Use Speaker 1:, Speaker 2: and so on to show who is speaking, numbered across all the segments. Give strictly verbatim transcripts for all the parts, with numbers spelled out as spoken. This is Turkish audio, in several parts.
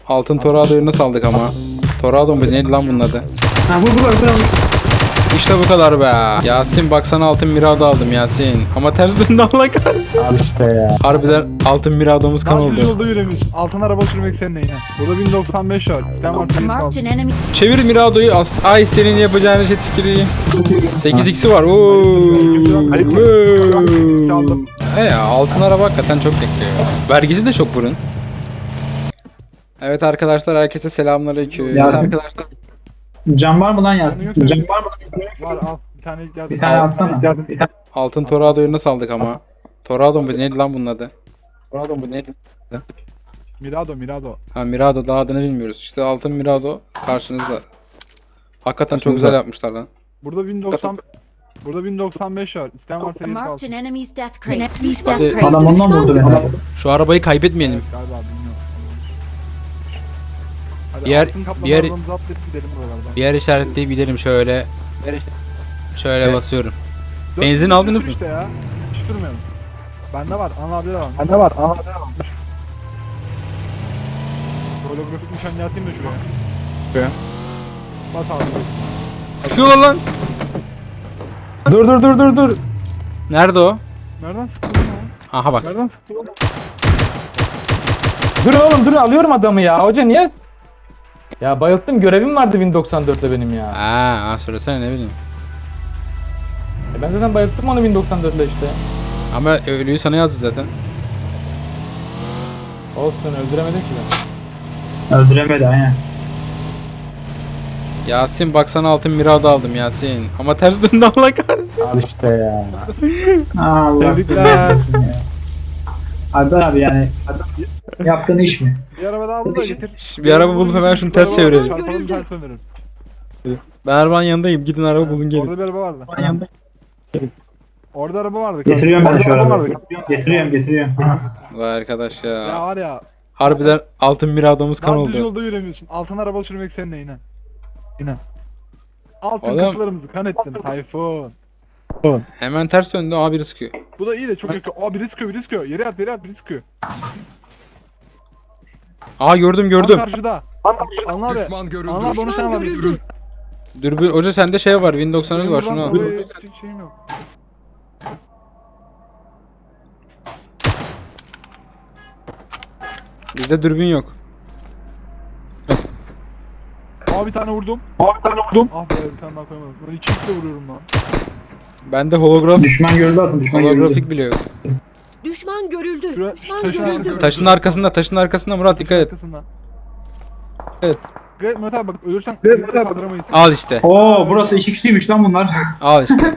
Speaker 1: Altın Torado'yu nasıl aldık ama? Torado mu? Neydi lan bunun adı?
Speaker 2: Ha bu bu bu.
Speaker 1: İşte bu kadar be. Yasin baksana altın Mirado aldım Yasin. Ama ters döndü Allah kahretsin.
Speaker 3: Al işte ya.
Speaker 1: Harbiden altın Mirado'muz kan
Speaker 4: Daha düz
Speaker 1: oldu.
Speaker 4: yolda yürümüş. Altın araba sürmek senin neyine. Burada bin doksan beş var. Sistem var senin
Speaker 5: Marked
Speaker 4: kalsın.
Speaker 5: an enemy.
Speaker 1: Çevir Mirado'yu. as- Ay senin yapacağın şey tüküreyim. sekiz x'i var. Oo.
Speaker 4: X'i aldım.
Speaker 1: E ya altın araba hakikaten çok bekliyor. Vergisi de çok bunun. Evet arkadaşlar herkese selamünaleyküm.
Speaker 2: Yasin.
Speaker 1: Arkadaşlar
Speaker 2: Cam var mı lan Yasin?
Speaker 4: Yoksa-
Speaker 2: Cam var mı?
Speaker 4: Var al. Bir tane yardım.
Speaker 2: Bir tane atsana. Bir tane.
Speaker 1: altın Torado'yu nasıl aldık ama? Torado mu? Neydi lan bunun adı? Torado mu? Neydi?
Speaker 4: Mirado Mirado.
Speaker 1: Ha Mirado daha adını bilmiyoruz. İşte altın Mirado karşınızda. Hakikaten çok güzel yapmışlar lan.
Speaker 4: Burada bin doksan Burada bin doksan beş var. İsteyen var senin
Speaker 5: Marked
Speaker 4: kalsın.
Speaker 5: an enemy's death crate. Enemy's
Speaker 1: Hadi.
Speaker 5: death crate.
Speaker 2: Adam ondan vurdu beni.
Speaker 1: Şu arabayı kaybetmeyelim.
Speaker 4: Evet, galiba bilmiyorum. Hadi
Speaker 1: Bir yer-
Speaker 4: altın kaplama
Speaker 1: bir yer-
Speaker 4: arabamızı atlayıp gidelim buralardan.
Speaker 1: Bir yer işaretleyip gidelim şöyle. Şöyle
Speaker 2: Evet.
Speaker 1: basıyorum.
Speaker 4: Dört
Speaker 1: Benzin
Speaker 4: bin
Speaker 1: aldınız mı?
Speaker 4: işte ya. Hiç durmayalım. Bende var. Anıl abide de var.
Speaker 3: Bende var. Aha.
Speaker 4: Holografik nişan atayım da şuraya.
Speaker 1: Şuraya.
Speaker 4: Bas abi.
Speaker 1: Sıkıyorlar lan.
Speaker 3: Dur dur dur dur dur.
Speaker 1: Nerede o?
Speaker 4: Nereden sıktın ya?
Speaker 1: Aha bak.
Speaker 4: Nereden sıktın oğlum?
Speaker 3: Durun oğlum durun alıyorum adamı ya. Hoca niye? Ya bayılttım görevim vardı bin doksan dörtte benim ya.
Speaker 1: Aa, aa söylesene ne bileyim.
Speaker 3: E ben zaten bayılttım onu bin doksan dörtte işte.
Speaker 1: Ama ölüyü sana yazdı zaten.
Speaker 3: Olsun öldüremedim ki ben.
Speaker 2: Öldüremedi aynen.
Speaker 1: Yasin baksana altın Mirado aldım Yasin. Ama ters döndü Allah kahretsin.
Speaker 3: Al işte ya.
Speaker 2: Allah
Speaker 4: Tebrikler.
Speaker 2: seni. Alper abi yani yaptığın iş mi?
Speaker 4: Bir araba daha bul da getir.
Speaker 1: Şş, bir araba bulup hemen şunu ters çevirelim.
Speaker 4: Çarpalım ters dönerim.
Speaker 1: Ben arabanın yanındayım. Gidin araba bulun gelin.
Speaker 4: Orada bir araba vardı. Orada araba vardı.
Speaker 2: Getiriyorum ben
Speaker 4: Orada
Speaker 2: şu
Speaker 4: araba
Speaker 2: arabayı.
Speaker 4: vardı.
Speaker 2: Getiriyorum getiriyorum.
Speaker 1: Vay arkadaş
Speaker 4: Ya
Speaker 1: ya.
Speaker 4: var ya.
Speaker 1: Harbiden altın Mirado'muz kan
Speaker 4: Daha düz
Speaker 1: oldu.
Speaker 4: yolda yürümüyorsun. Altın araba sürmek senin neyine. Yine. Altın
Speaker 1: Oğlum.
Speaker 4: kapılarımızı kan ettin Tayfun.
Speaker 1: Hemen ters döndü. Aa biri sıkıyor.
Speaker 4: Bu da iyi de çok yakıyor. Aa biri sıkıyor biri sıkıyor. Yere at yere at biri sıkıyor.
Speaker 1: Aa gördüm
Speaker 4: Tam
Speaker 1: gördüm.
Speaker 4: karşıda. Anla abi.
Speaker 6: Düşman görüldü.
Speaker 4: Anla abi onu sen var.
Speaker 5: görüldü.
Speaker 1: Dürbün hoca sende şey var. Win doksan var şunu al.
Speaker 4: Benim buradan hiç şeyim yok.
Speaker 1: Bizde dürbün yok.
Speaker 4: Aa bir tane vurdum. Aa bir tane vurdum. Ah be bir tane daha koyamadım. Ben iki x'le vuruyorum lan.
Speaker 1: Bende holograf
Speaker 2: Düşman görüldü atın düşman görüldü.
Speaker 1: holografik bile yok.
Speaker 5: Düşman görüldü.
Speaker 4: Şura,
Speaker 5: Düşman
Speaker 4: taşın
Speaker 5: görüldü.
Speaker 4: arkasında.
Speaker 1: Taşın arkasında taşın arkasında Murat dikkat et.
Speaker 4: Arkasında.
Speaker 3: Evet.
Speaker 4: Evet Murat abi bak ölürsen evet, kaldıramayız.
Speaker 1: Al işte.
Speaker 2: Oo burası iki kişiymiş lan bunlar.
Speaker 1: Al işte.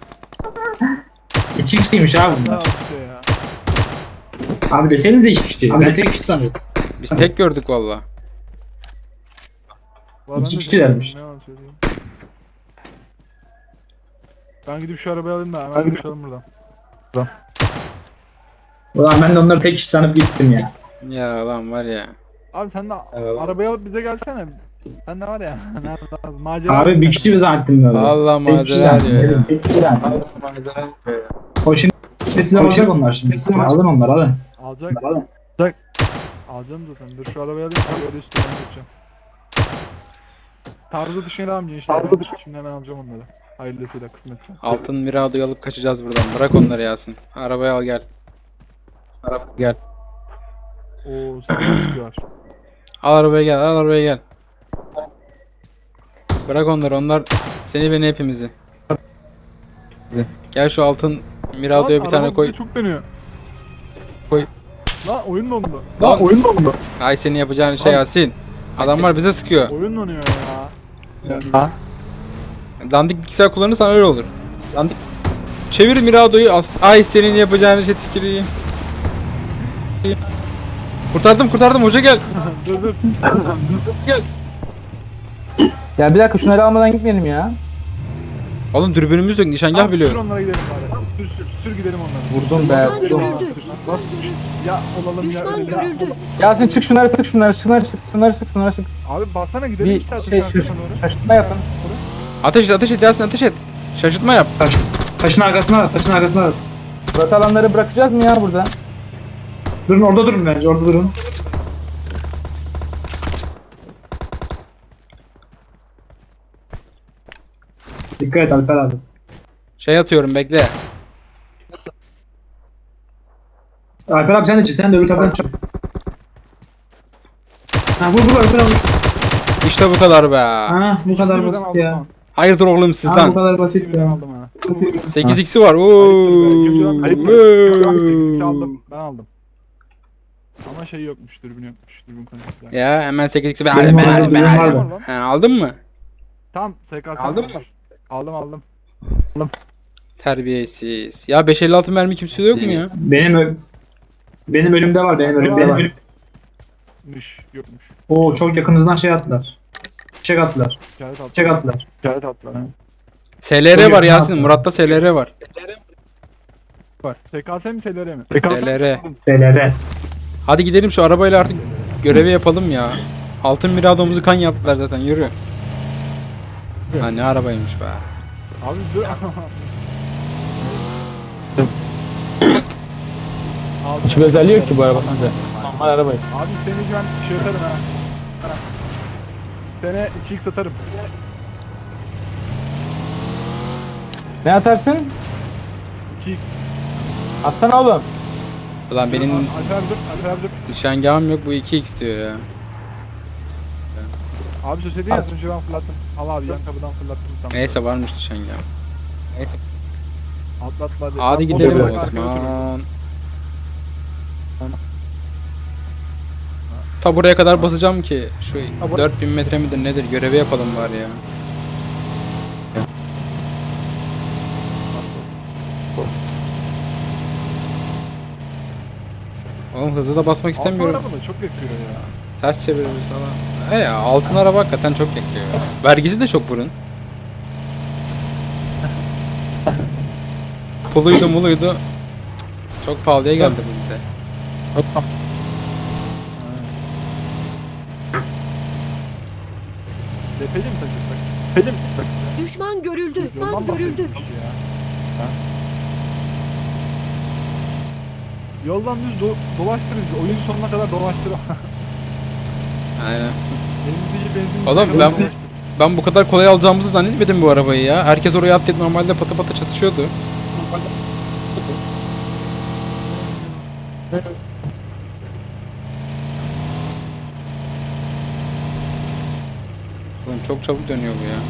Speaker 2: iki kişiymiş abi
Speaker 4: Ya
Speaker 2: bunlar.
Speaker 4: işte ya.
Speaker 2: Abi desenize iki kişi. Ben tek kişi sanıyorum.
Speaker 1: Biz tek gördük valla.
Speaker 4: Valla ben
Speaker 2: İki
Speaker 4: de
Speaker 2: kişilermiş.
Speaker 4: ne yalan söyleyeyim. Ben gidip şu arabayı alayım da hemen konuşalım buradan.
Speaker 2: Ulan ben de onları tek kişi sanıp gittim ya.
Speaker 1: Ya lan var ya.
Speaker 4: Abi sen de
Speaker 3: Evet.
Speaker 4: arabayı alıp bize gelsene. Sen de var ya. Nerede lazım? Macera.
Speaker 2: Abi bir kişi mi zannettim ben?
Speaker 1: Vallahi
Speaker 2: Tek kişi
Speaker 1: macera
Speaker 2: zannettim,
Speaker 1: diyor ya.
Speaker 2: tek kişi zannettim. O şimdi size alacak onlar şimdi. Size alın onları alın.
Speaker 4: Alacak.
Speaker 2: Alın.
Speaker 4: Alacağım zaten. Dur şu arabayı alayım. Öyle üstüne geçeceğim. Tarzı dışına devam gençler. Şimdi hemen alacağım onları. Hayırlısıyla kısmetse.
Speaker 1: Altın Mirado'yu alıp kaçacağız buradan. Bırak onları Yasin. Arabayı al gel. Araba gel.
Speaker 4: Oo sen çıkıyor.
Speaker 1: Al arabaya gel. Al arabaya gel. Bırak onları. Onlar seni beni hepimizi. Gel şu altın Mirado'ya bir tane koy.
Speaker 4: Çok dönüyor.
Speaker 1: Koy.
Speaker 4: Lan oyun dondu.
Speaker 1: Lan
Speaker 4: oyun dondu.
Speaker 1: Ay senin yapacağın şey Yasin. Adamlar bize sıkıyor.
Speaker 4: Oyun donuyor ya.
Speaker 1: Dandik bilgisayar kullanırsan öyle olur. Dandik. Çevir Mirado'yu. as- Ay senin yapacağın şey tüküreyim. Kurtardım kurtardım hoca gel.
Speaker 4: dur dur.
Speaker 3: Ya bir dakika şunları almadan gitmeyelim ya.
Speaker 1: Oğlum dürbünümüz yok nişangah
Speaker 4: Abi,
Speaker 1: biliyor.
Speaker 4: Sür onlara gidelim bari. Sür sür sür gidelim onlara.
Speaker 3: Vurdum be.
Speaker 5: Düşman
Speaker 3: Vurdum.
Speaker 5: görüldü.
Speaker 4: Ya olalım ya.
Speaker 5: Düşman
Speaker 4: ölelim ya.
Speaker 5: görüldü.
Speaker 3: Yasin çık şunları sık şunları şunları sık şunları sık şunları sık.
Speaker 4: Abi bassana gidelim
Speaker 3: Bir
Speaker 4: işte
Speaker 3: şey
Speaker 4: şey,
Speaker 3: şu şaşırtma yapın.
Speaker 1: Ateş et ateş et Yasin ateş et. Şaşırtma yap.
Speaker 2: Taşın arkasına at, taşın arkasına at.
Speaker 3: Murat alanları bırakacağız mı ya burada?
Speaker 2: Durun orada durun bence orada durun. Dikkat et Alper abi.
Speaker 1: Şey atıyorum bekle.
Speaker 2: Alper abi sen de çık. Sen de öbür taraftan çık. Ha vur vur Alper abi.
Speaker 1: İşte bu kadar be.
Speaker 2: Ha bu kadar
Speaker 4: Birden
Speaker 2: basit
Speaker 4: aldım
Speaker 2: ya.
Speaker 4: lan.
Speaker 1: Hayırdır oğlum
Speaker 2: Ha bu
Speaker 1: sizden.
Speaker 2: kadar basit
Speaker 4: Birden
Speaker 2: ya.
Speaker 4: aldım ha.
Speaker 1: sekiz x'i var.
Speaker 4: Ayıptır be. İkinci round- ayıptır.
Speaker 1: Oo.
Speaker 4: İkisi aldım. Ben aldım. Ama şey yokmuş. Dürbün yokmuş. Dürbün konusunda.
Speaker 1: Ya hemen sekiz x'i ben
Speaker 2: Benim
Speaker 1: ben-
Speaker 2: vardı,
Speaker 1: ben-
Speaker 2: benim
Speaker 1: ben-
Speaker 2: vardı.
Speaker 4: Lan.
Speaker 1: Ha, aldın mı?
Speaker 4: Tamam. S K S
Speaker 3: Aldın mı?
Speaker 4: Aldım aldım.
Speaker 1: Terbiyesiz. Ya beş elli altı mermi kimse yok mu ya?
Speaker 2: Benim ö- benim önümde var. Benim önümde
Speaker 4: Var.
Speaker 2: var.
Speaker 4: Mış. Yokmuş.
Speaker 2: Oo çok yakınızdan şey attılar. Çek attılar.
Speaker 4: İşaret attı.
Speaker 2: Çek attılar.
Speaker 4: İşaret attılar. ha.
Speaker 1: S L R
Speaker 2: Çok
Speaker 1: var
Speaker 2: yakın
Speaker 1: Yasin.
Speaker 2: attı.
Speaker 1: Murat'ta S L R var.
Speaker 4: Var. S K S mi S L R mi?
Speaker 1: S L R.
Speaker 2: T L R.
Speaker 1: Hadi gidelim şu arabayla artık görevi yapalım ya. Altın miradomuzu kan yaptılar zaten yürü. Ha ne arabaymış be.
Speaker 4: Abi dur. Aldım.
Speaker 3: Hiçbir özelliği yok ki bu arabanın da. Normal arabayı.
Speaker 4: Abi seni ben şey atarım ha. Sene iki x atarım.
Speaker 3: Ne atarsın?
Speaker 4: iki x.
Speaker 3: Atsana oğlum.
Speaker 1: Ulan benim
Speaker 4: Alper abi dur. Alper abi dur.
Speaker 1: nişangahım yok bu iki x diyor ya.
Speaker 4: Abi söyledi ya önce ben fırlattım. Al abi yan kapıdan fırlattım sana.
Speaker 1: Neyse varmış nişangahım.
Speaker 4: Atlatma hadi.
Speaker 1: Hadi
Speaker 4: Ben
Speaker 1: gidelim
Speaker 4: boş olarak arkaya oturuyorum.
Speaker 1: Osman. Ta buraya kadar basacağım ki şu dört bin metre midir nedir görevi yapalım bari ya. Oğlum hızlı da basmak istemiyorum.
Speaker 4: Altın araba da çok yakıyor ya.
Speaker 1: Ters çeviririz falan. E ya altın araba hakikaten çok yakıyor. Vergisi de çok burun. Puluydu muluydu. Çok pahalıya geldi bu bize.
Speaker 4: Depeli mi takıyorsak? Depeli mi takıyorsak?
Speaker 5: Düşman görüldü. Düşman
Speaker 4: Yoldan
Speaker 5: görüldü.
Speaker 4: bahsediyoruz ya. Ha? Yoldan düz do dolaştırırız. Oyun sonuna kadar dolaştır.
Speaker 1: Aynen.
Speaker 4: Elimizdeki benzin.
Speaker 1: Oğlum ben ben bu kadar kolay alacağımızı zannetmedim bu arabayı ya. Herkes oraya atlayıp normalde pata pata çatışıyordu. Oğlum çok çabuk dönüyor bu ya.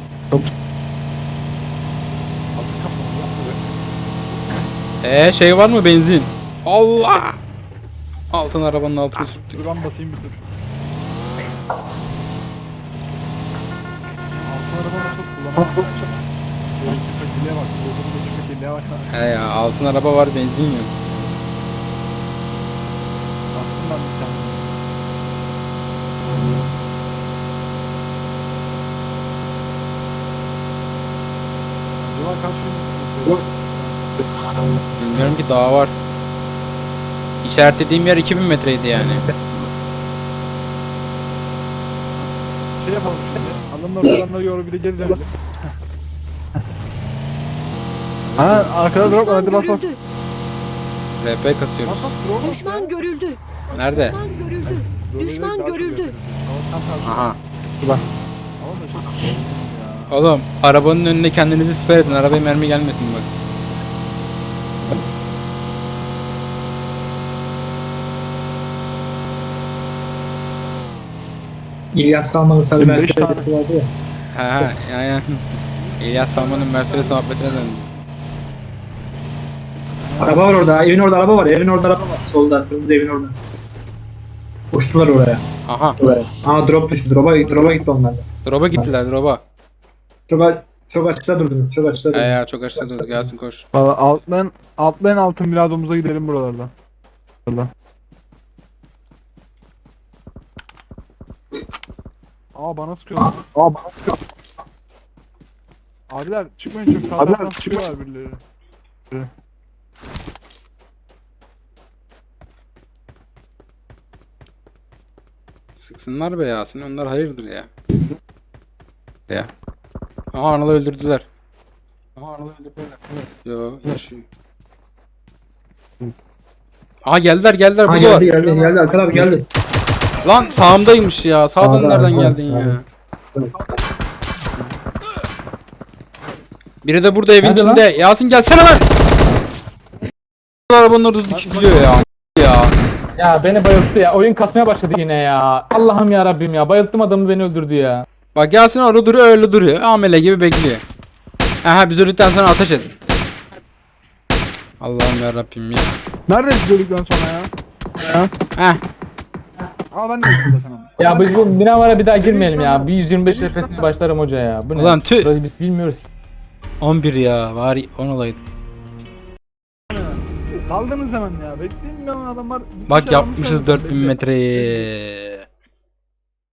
Speaker 1: Ee şey var mı benzin? Allah! Altın arabanın altını sürttük.
Speaker 4: Dur ben basayım bir dur. Altın araba nasıl kullanamam. Köpekliğe bak. Yolda köpekliğe bak.
Speaker 1: He ya altın araba var benzin yok.
Speaker 4: Bastım ben bir tane. Acaba kaç gün?
Speaker 1: Bilmiyorum ki daha var. İşaretlediğim yer iki bin metreydi yani.
Speaker 4: Şey yapalım şimdi. Alımla falanları yoru bir de geri dönelim. Ha arkada drop var hadi
Speaker 5: Düşman
Speaker 4: bas bas.
Speaker 5: görüldü.
Speaker 1: R P kasıyoruz.
Speaker 4: Bas bas drop bas.
Speaker 5: Düşman görüldü.
Speaker 1: Nerede?
Speaker 5: Düşman görüldü.
Speaker 4: Böyle
Speaker 5: Düşman
Speaker 4: daha çok
Speaker 5: görüldü.
Speaker 4: yapıyoruz. Ama tam tersi.
Speaker 1: Aha.
Speaker 4: Ama da çok ya.
Speaker 1: Oğlum arabanın önüne kendinizi siper edin. Arabaya mermi gelmesin bak.
Speaker 2: İlyas Salman'ın sarı
Speaker 4: Benim beş
Speaker 2: Mercedes'i vardı ya.
Speaker 1: Ha ha yani. İlyas Salman'ın Mercedes muhabbetine döndü.
Speaker 2: Araba var orada. Evin orada araba var. Evin orada araba var. Solda. Kırmızı evin orada. Uçtular oraya.
Speaker 1: Aha.
Speaker 2: Oraya. Aa drop düştü. Drop'a drop'a gitti onlar da.
Speaker 1: Drop'a gittiler drop'a.
Speaker 2: Çok, a- çok açıkta durdunuz. Çok açıkta
Speaker 1: He
Speaker 2: durdunuz.
Speaker 1: ya çok aşağıda dur gelsin koş.
Speaker 4: Valla altlan altlan altın miladomuza gidelim buralardan. Valla. Aa bana sıkıyorlar. Aa bana sıkıyorlar. Abiler çıkmayın çok sağdan
Speaker 3: Abiler,
Speaker 4: sıkıyorlar birileri.
Speaker 1: Sıksınlar be Yasin onlar hayırdır ya. Ya. Aha Anıl'ı öldürdüler.
Speaker 3: Ama Anadolu öldürdüler.
Speaker 1: Yo yaşıyor. Aha geldiler geldiler
Speaker 2: Ha
Speaker 1: buradalar.
Speaker 2: geldi geldi geldi. Alper abi geldi.
Speaker 1: Lan sağımdaymış ya. Sağdan
Speaker 2: Sağda,
Speaker 1: nereden
Speaker 2: sağda,
Speaker 1: geldin ya?
Speaker 2: sağda.
Speaker 1: Biri de burada evin
Speaker 3: Hadi
Speaker 1: içinde. Yasin gelsene lan. Arabanın orada dikiliyor ya. Ya.
Speaker 3: Ya beni bayılttı ya. Oyun kasmaya başladı yine ya. Allah'ım ya Rabbim ya. Bayılttım adamı, beni öldürdü ya.
Speaker 1: Bak Yasin orada duruyor, öyle duruyor. Amele gibi bekliyor. Aha biz öldükten sonra ateş et. Allah'ım ya Rabbim ya.
Speaker 4: Nerede izledikten sonra ya? Ya.
Speaker 1: Heh.
Speaker 4: Aa ben de izledim zaten ama.
Speaker 3: Ya biz bu Minavara bir daha girmeyelim ya. Bir yüz yirmi beş F P S'ine başlarım hoca ya. Bu ne?
Speaker 1: Ulan tüh.
Speaker 3: Burayı biz bilmiyoruz ki.
Speaker 1: on bir ya. Var on olaydı.
Speaker 4: Kaldınız hemen ya. Bekleyin ben adamlar.
Speaker 1: Bak
Speaker 4: Şey
Speaker 1: yapmışız
Speaker 4: almışlar.
Speaker 1: dört bin metreyi.